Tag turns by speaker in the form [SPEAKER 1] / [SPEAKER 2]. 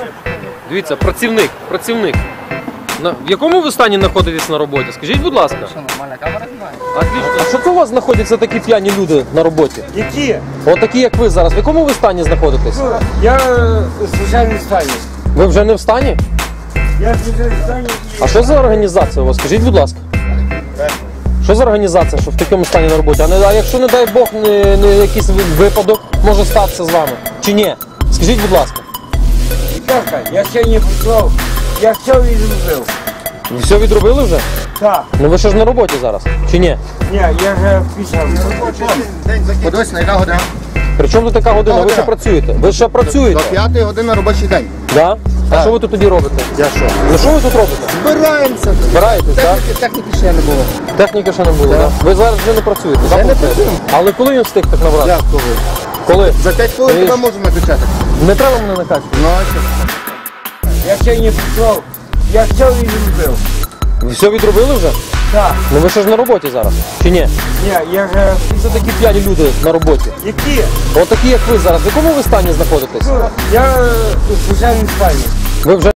[SPEAKER 1] Дивіться, працівник. В якому ви стані знаходитесь на роботі? Скажіть, будь ласка.
[SPEAKER 2] Що, нормальна камера знімає?
[SPEAKER 1] А що це у вас знаходяться такі п'яні люди на роботі?
[SPEAKER 3] Які?
[SPEAKER 1] От такі, як ви зараз. В якому ви стані знаходитесь?
[SPEAKER 3] Я в звичайному стані.
[SPEAKER 1] Ви вже не в стані?
[SPEAKER 3] Я в звичайному стані.
[SPEAKER 1] А що за організація у вас? Скажіть, будь ласка. Що за організація, що в такому стані на роботі? А якщо, не дай Бог, не якийсь випадок може статися з вами? Чи ні? Скажіть, будь ласка.
[SPEAKER 3] Віталка, я ще не прийшов. Я все відробив.
[SPEAKER 1] Ви все відробили вже?
[SPEAKER 3] Так.
[SPEAKER 1] Ну ви ще ж на роботі зараз, чи ні?
[SPEAKER 3] Ні, я вже пішов.
[SPEAKER 2] Подивись, на яка година?
[SPEAKER 1] При чому тут така година? Ви ще працюєте? Ви ще працюєте?
[SPEAKER 2] До 5 години робочий день.
[SPEAKER 1] Да? А що ви тут тоді робите?
[SPEAKER 2] Я що?
[SPEAKER 1] Ну що ви тут робите?
[SPEAKER 2] Збираємося.
[SPEAKER 1] Збираєтесь, так?
[SPEAKER 2] Техніки ще не було.
[SPEAKER 1] Техніки ще не було, так? Ви зараз вже не працюєте, так?
[SPEAKER 2] не
[SPEAKER 1] виходить?
[SPEAKER 2] працюємо.
[SPEAKER 1] Але коли він встиг так набрати?
[SPEAKER 2] Як коли?
[SPEAKER 1] Коли?
[SPEAKER 2] За 5 хвилин
[SPEAKER 1] Ви
[SPEAKER 2] тебе
[SPEAKER 1] ж-
[SPEAKER 2] можу накачати.
[SPEAKER 1] Не треба мене накачувати.
[SPEAKER 2] Ну, а що?
[SPEAKER 3] Я ще не прийшов. Я все відробив.
[SPEAKER 1] Ви все відробили вже?
[SPEAKER 3] Так.
[SPEAKER 1] Ну ви ще ж на роботі зараз, чи ні?
[SPEAKER 3] Ні, я вже...
[SPEAKER 1] Це такі п'яні люди на роботі.
[SPEAKER 3] Які?
[SPEAKER 1] От такі, як ви зараз. В якому ви стані знаходитесь?
[SPEAKER 3] Я в звичайному стані.
[SPEAKER 1] Ви вже